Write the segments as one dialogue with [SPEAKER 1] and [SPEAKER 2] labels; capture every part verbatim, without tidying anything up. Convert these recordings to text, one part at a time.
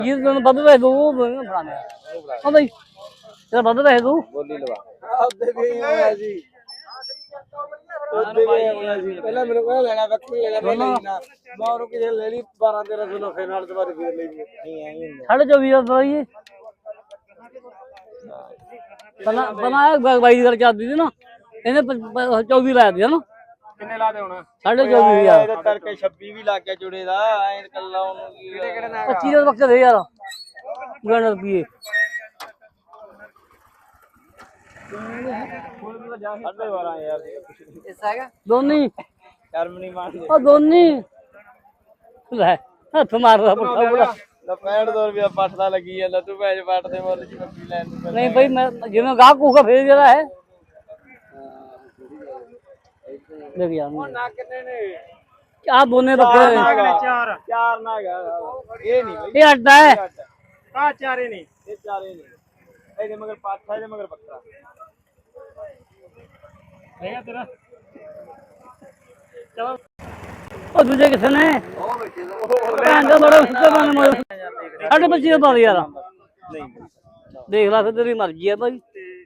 [SPEAKER 1] ਜੀ ਤੈਨੂੰ ਵੱਧ ਪੈਸੇ ਦਊ ਫੜਾ ਦੇ ਹਾਂ ਬਈ ਤੇਰਾ ਵੱਧ ਪੈਸੇ ਦਊ
[SPEAKER 2] ਬੋਲੀ ਲਵਾ ਆਪਦੇ ਵੀ ਆਇਆ ਜੀ ਉਹਦੇ ਵੀ ਆਇਆ ਜੀ ਪਹਿਲਾਂ ਮੈਨੂੰ ਕਹਿੰਦਾ ਲੈਣਾ ਬੱਕਰੀ ਲੈ ਲੈ ਨਾ ਮੈਂ ਉਹਨੂੰ ਕਿਹਾ ਲੈ ਲਈ ਬਾਰਾਂ ਤੇਰਾਂ ਸੌ ਫੇਰ ਨਾਲ ਦੁਬਾਰਾ ਫੇਰ ਲਈ ਨਹੀਂ ਆਈ
[SPEAKER 1] ਸਾਢੇ ਚੌਵੀ ਦਾ ਦਵਾਈਏ ਬਣਾ ਬਣਾਇਆ ਬਾਈ ਦੀ ਗੱਲ ਚੱਲਦੀ ਸੀ ਨਾ ਇਹਨੇ ਚੌਵੀ ਲਾਇਆ ਸੀ ਨਾ
[SPEAKER 2] ਕਿੰਨੇ ਲਾ ਦੇ ਹੁਣ
[SPEAKER 1] ਸਾਢੇ ਚੌਵੀ ਹਜ਼ਾਰ
[SPEAKER 2] ਇਹਦੇ ਤੜਕੇ ਛੱਬੀ ਵੀ ਲੱਗ ਗਿਆ ਜੁੜੇ ਦਾ ਐਂ ਕੱਲਾ ਉਹਨੂੰ ਕੀ ਕਿਹੜੇ ਕਿਹੜੇ ਨਾਲ
[SPEAKER 1] ਪੱਚੀ ਦੇ ਬੱਕਰੇ ਯਾਰ ਗਣ ਰੁਪਏ
[SPEAKER 2] ਸਾਢੇ ਬਾਰਾਂ ਯਾਰ ਇਸ ਹੈਗਾ
[SPEAKER 1] ਦੋਨੀ
[SPEAKER 2] ਸ਼ਰਮ ਨਹੀਂ ਮੰਨਦੇ
[SPEAKER 1] ਉਹ ਦੋਨੀ ਲੈ ਹੱਥ ਮਾਰਦਾ ਪੁੱਠਾ ਬੁੜਾ
[SPEAKER 2] ਲੈ ਪੈਂਹਠ ਸੌ ਰੁਪਇਆ ਪੱਟ ਦਾ ਲੱਗੀ ਜਾਂਦਾ ਤੂੰ ਭੈਜ ਪੱਟ ਦੇ ਮੁੱਲ ਚ ਬੱਕਰੀ ਲੈਣ ਨੂੰ
[SPEAKER 1] ਨਹੀਂ ਬਈ ਮੈਂ ਜਿਵੇਂ ਗਾਹ ਕੂਗਾ ਫੇਰ ਜਿਹੜਾ ਹੈ ਦੇਖ ਯਾਰ
[SPEAKER 2] ਨਾ ਕਿੰਨੇ ਨੇ
[SPEAKER 1] ਆ ਦੋਨੇ ਬੱਕਰੇ
[SPEAKER 2] ਚਾਰ ਚਾਰ ਨਾ ਹੈਗਾ ਇਹ ਨਹੀਂ ਬਈ
[SPEAKER 1] ਇਹ ਅੱਡਾ ਹੈ
[SPEAKER 2] ਆ ਚਾਰੇ ਨਹੀਂ ਇਹ ਚਾਰੇ ਨਹੀਂ ਇਹਦੇ ਮਗਰ ਪਾਠਾ ਇਹਦੇ ਮਗਰ ਬੱਕਰਾ ਹੈਗਾ ਤੇਰਾ ਚਲੋ
[SPEAKER 1] ਉਹ ਦੂਜੇ ਕਿੱਥੇ ਨੇ
[SPEAKER 2] ਉਹ ਬੈਠੇ ਦਾ
[SPEAKER 1] ਭੈਣ ਦਾ ਬੜਾ ਸੁੱਤੇ ਬਣ ਮੋਰ ਸਾਡੇ ਬੱਚੇ ਦਾ ਪਾ ਯਾਰ
[SPEAKER 2] ਨਹੀਂ
[SPEAKER 1] ਦੇਖ ਲੈ ਫਿਰ ਤੇਰੀ ਮਰਜ਼ੀ ਹੈ ਭਾਈ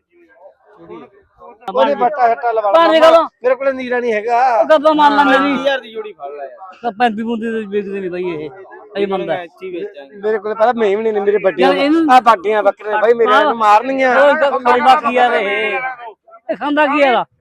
[SPEAKER 2] ਉਹਨੇ ਬੱਟਾ ਹੱਟਾ ਲਵਾ
[SPEAKER 1] ਪਾਣੀ ਗੱਲ
[SPEAKER 2] ਮੇਰੇ ਕੋਲ ਨੀਰਾ ਨਹੀਂ ਹੈਗਾ
[SPEAKER 1] ਕਦੋਂ ਮੰਨ ਲਾ ਮੇਰੀ
[SPEAKER 2] ਹਜ਼ਾਰ ਦੀ ਜੋੜੀ ਫੜ ਲੈ ਯਾਰ
[SPEAKER 1] ਤਾਂ ਪੈਂਤੀ ਬੁੰਦੀ ਦੇ ਵੇਚਦੇ ਨਹੀਂ ਭਾਈ ਇਹ ਅਈ ਮੰਨਦਾ
[SPEAKER 2] ਇੱਥੇ ਵੇਚਾਂਗੇ ਮੇਰੇ ਕੋਲ ਪਤਾ ਮੈਂ ਵੀ ਨਹੀਂ ਮੇਰੇ ਵੱਡੀਆਂ
[SPEAKER 1] ਯਾਰ ਇਹਨੂੰ
[SPEAKER 2] ਆ ਬਾਡੀਆਂ ਬੱਕਰੇ ਬਾਈ ਮੇਰੇ ਨੂੰ ਮਾਰਨੀਆਂ
[SPEAKER 1] ਉਹ ਖਾਂਦਾ ਕੀ ਯਾਰ ਇਹ ਇਹ ਖਾਂਦਾ ਕੀ ਯਾਰ